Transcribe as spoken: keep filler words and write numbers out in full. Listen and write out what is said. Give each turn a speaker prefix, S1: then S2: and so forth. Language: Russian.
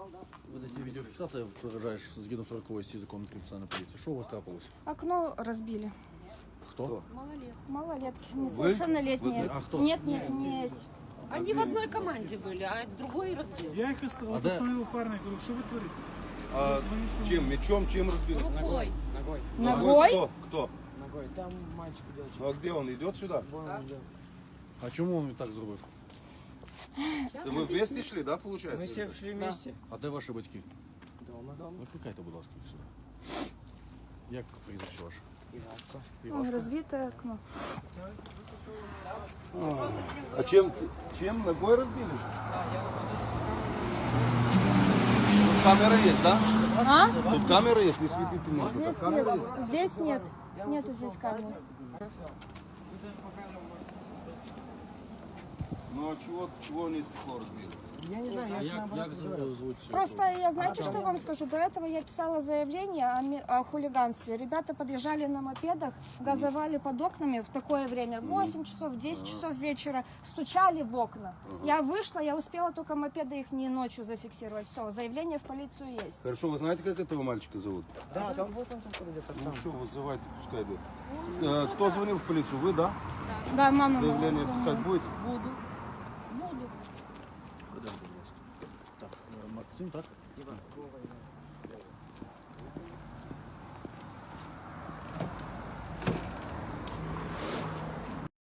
S1: Вот эти видеофиксация выражаешь згідно сороковой статьи закона криминальной полиции. Что у вас трапилось?
S2: Окно разбили.
S1: Кто?
S2: Малолетки. Малолетки. Несовершеннолетние.
S1: А кто?
S2: Нет, нет, нет.
S3: Они в одной команде были, а другой разбил.
S4: Я их остановил,
S1: А да-
S4: остановил парня, говорю, что вы творите?
S5: А
S4: Звони сюда.
S5: чем? Мечом? Чем разбились?
S3: Рукой.
S6: Ногой.
S2: Ногой?
S5: Кто? Кто?
S6: Ногой. Там мальчик идет.
S5: Ну а где он? Идет сюда?
S6: Вон он идет.
S1: А чому он так зробив?
S5: Да вы вместе шли, да,
S6: Мы
S5: получается?
S6: все шли вместе.
S1: А де ваші батьки?
S6: Дома, дома.
S1: Викликайте, будь ласка, їх сюди. Як прізвище ваше?
S6: Иванка.
S2: Вон
S1: Івашко?
S2: разбитое окно.
S5: А чем, чем ногой разбили? Тут камера есть, да?
S2: А?
S5: Тут камера есть, не светите можно.
S2: Здесь нет. Здесь нет. Нету здесь камеры.
S5: Ну а чего, чего они стекло разбили?
S6: Я не знаю,
S1: А
S6: я
S1: як, як звуть?
S2: Просто я, знаете, что вам скажу? До этого я писала заявление о, ми- о хулиганстве. Ребята подъезжали на мопедах, газовали под окнами в такое время. В восемь часов, десять часов вечера стучали в окна. Я вышла, я успела только мопеды их не ночью зафиксировать. Все, заявление в полицию есть.
S5: Хорошо, вы знаете, как этого мальчика зовут?
S6: Да, там вот он там идет.
S5: Ну все, вызывайте, пускай идет. Э, кто звонил в полицию? Вы, да?
S2: Да, мама моя
S5: Заявление
S2: звонила.
S5: писать будете?
S3: Буду. Буду.
S1: Подожди, будь ласка. Так, е, Максим, так?